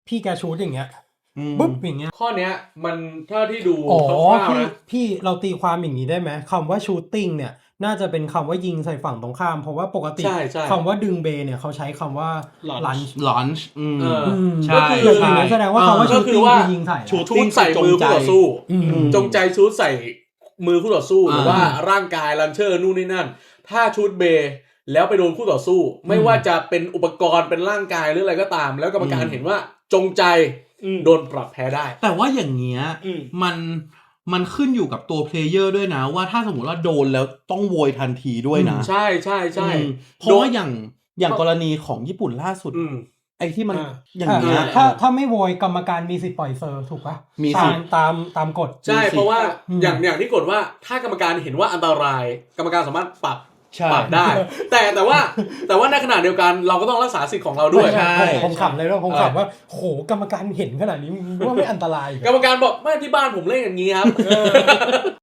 พี่แกชูดอย่างเงี้ยปุ๊บอย่างเงี้ยข้อเนี้ยมันถ้าที่ดูคอ๋อร่าวๆนะพี่เราตีความอย่างนี้ได้ไหมคำว่าชูตติ้งเนี่ยน่าจะเป็นคำว่ายิงใส่ฝั่งตรงข้ามเพราะว่าปกติใช่ใช่คำว่าดึงเบเนี่ยเขาใช้คำว่า lunge ลอนช์ใช่อย่างนี้แสดงว่าคำว่าชูตติ้งคือยิงใส่ชูดใส่มือคู่ต่อสู้ จงใจชูดใส่มือคู่ต่อสู้หรือว่าร่างกายลันเชอร์นู่นนี่นั่นถ้าชูดเบแล้วไปโดนคู่ต่อสู้ไม่ว่าจะเป็นอุปกรณ์เป็นร่างกายหรืออะไรก็ตาม แล้วกรรมการเห็นว่าจงใจโดนปรับแพ้ได้แต่ว่าอย่างเงี้ยมันขึ้นอยู่กับตัวเพลเยอร์ด้วยนะว่าถ้าสมมติว่าโดนแล้วต้องโวยทันทีด้วยนะใช่ใช่ใช่เพราะว่าอย่างกรณีของญี่ปุ่นล่าสุดไอ้ที่มันอย่างเงี้ยถ้าไม่โวยกรรมการมีสิทธิ์ปล่อยเซอร์ถูกปะมีสิทธิ์ตามกฎใช่เพราะว่าอย่างที่กฎว่าถ้ากรรมการเห็นว่าอันตรายกรรมการสามารถปรับได้แต่ว่าในขณะเดียวกันเราก็ต้องรักษาสิทธิ์ของเราด้วยผมขำเลยว่าผมขำว่าโหกรรมการเห็นขนาดนี้ว่าไม่อันตรายกรรมการบอกไม่ที่บ้านผมเล่นอย่างนี้ครับ